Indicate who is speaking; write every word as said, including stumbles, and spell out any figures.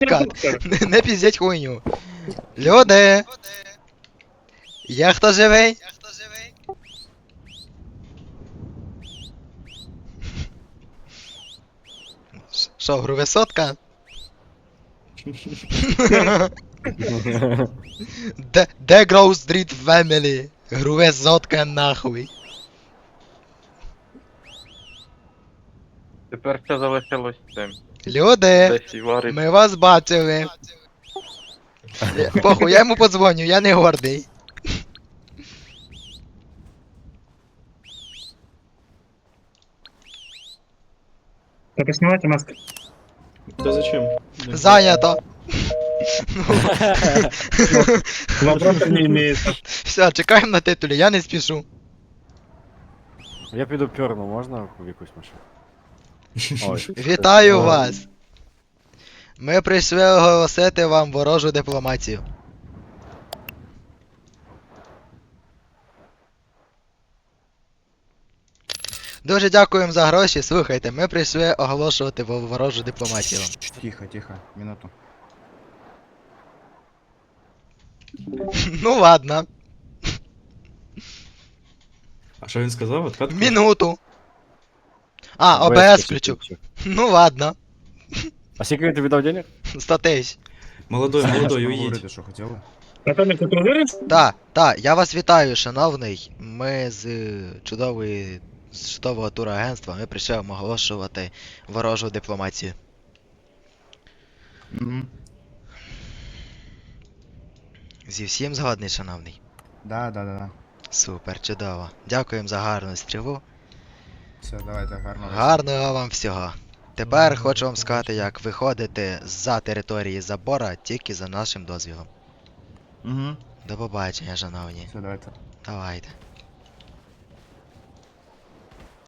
Speaker 1: Кат, не, не піздять хуйню. Люди! Є хто живий? Що, гру висотка? Де, де Grove Street Family? Гру висотка нахуй.
Speaker 2: Тепер все залишилось цим.
Speaker 1: Люди!
Speaker 2: Десь і варить.
Speaker 1: Ми вас бачили. Я- Похуй, я йому подзвоню, я не гордий.
Speaker 3: Так, снимайте маски.
Speaker 4: Да зачем?
Speaker 1: Зайнято.
Speaker 3: Вопросов не имеется.
Speaker 1: Все, чекаємо на титулі, я не спішу.
Speaker 5: Я піду пьорну, можна в якусь машину? Ой.
Speaker 1: Вітаю
Speaker 5: О.
Speaker 1: вас! Ми прийшли оголосити вам ворожу дипломатію. Дуже дякуємо за гроші. Слухайте, ми прийшли оголошувати во- ворожу дипломатію вам.
Speaker 6: Тихо, тихо, минуту.
Speaker 1: Ну ладно,
Speaker 4: А що він сказав? Откатку?
Speaker 1: минуту. А, ОБС включу. Ну ладно,
Speaker 5: А скільки він тобі дав денег?
Speaker 1: сто тисяч.
Speaker 4: Молодой, молодой, уїдь.
Speaker 6: Говорити, що хотіли?
Speaker 3: Наталья, ты уверен?
Speaker 1: Так, так, я вас вітаю, шановний. Ми з е, чудової з чудового турагентства ми прийшли вам оголошувати ворожу дипломатію.
Speaker 6: Угу.
Speaker 1: Зі всім згодний, шановний.
Speaker 6: Да, да, да, да.
Speaker 1: Супер, чудово. Дякуємо за гарну стрілу.
Speaker 6: Все, давайте, гарно.
Speaker 1: Гарного вам всього. Тепер хочу вам сказати, як виходити за території забора тільки за нашим дозвілом.
Speaker 6: Угу.
Speaker 1: До побачення, шановні.
Speaker 6: Все, давайте.
Speaker 1: Давайте.